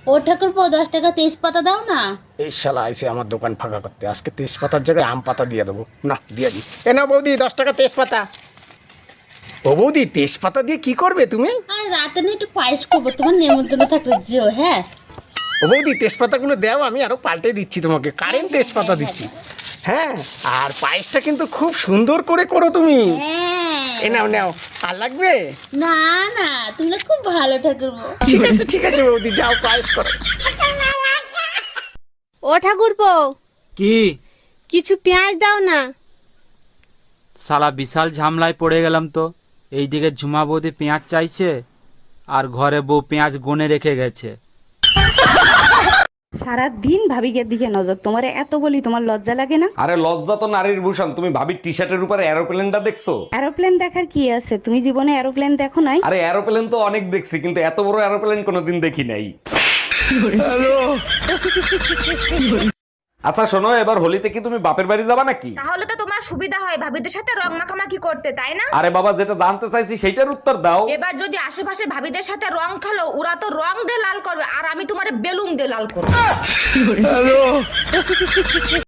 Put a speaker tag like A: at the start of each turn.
A: ও ঠাকুরপো 10 টাকা তেজপাতা দাও না।
B: এই শালা আইসে আমার দোকান ফাঁকা করতে, আজকে তেজপাতার জায়গায় আম পাতা দিয়ে দেবো। না দিয়ে দিই। এ না বৌদি 10 টাকা তেজপাতা। ও বৌদি তেজপাতা দিয়ে কি করবে তুমি?
A: আর রাতে না একটু পায়েস করবো, তোমার নেমন্তন্ন থাকলে যেও। হ্যাঁ
B: ও বৌদি তেজপাতাগুলো দাও, আমি আরো পাল্টে দিচ্ছি তোমাকে, কারেন্ট তেজপাতা দিচ্ছি। হ্যাঁ, আর পায়েসটা কিন্তু খুব সুন্দর করে করো তুমি।
A: হ্যাঁ।
B: এ নাও নাও, আর লাগবে?
A: না না, তুমি না খুব ভালো ঠাকুরপো।
B: ঠিক আছে বৌদি, যাও পায়েস করো।
C: ও ঠাকুরপো,
D: কি
C: কিছু পেঁয়াজ দাও না।
D: শালা বিশাল ঝামলায় পড়ে গেলাম তো। এইদিকে ঝুমা বৌদি পেঁয়াজ চাইছে, আর ঘরে বউ পেঁয়াজ গনে রেখে গেছে।
E: সারা দিন ভাবিকের দিকে নজর, তোমারে এত বলি তোমার লজ্জা লাগে না?
F: আরে লজ্জা তো নারীর ভূষণ। তুমি ভাবির টি শার্টের উপরে এরোপ্লেনটা দেখছো?
E: এরোপ্লেন দেখার কি আছে, তুমি জীবনে এরোপ্লেন দেখো নাই?
F: আরে এরোপ্লেন তো অনেক দেখছি, কিন্তু এত বড় এরোপ্লেন কোনোদিন দেখি নাই। আচ্ছা শোনো, এবার হোলিতে কি তুমি বাপের বাড়ি যাবা নাকি?
G: তাহলে তো তোমার সুবিধা হয় ভাবিদের সাথে রং মাখামাখি করতে, তাই না?
F: আরে বাবা, যেটা জানতে চাইছি সেইটার উত্তর দাও।
G: এবার যদি আশেপাশে ভাবিদের সাথে রং খেলো, ওরা তো রং দিয়ে লাল করবে, আর আমি তোমার বেলুন দিয়ে লাল করবো।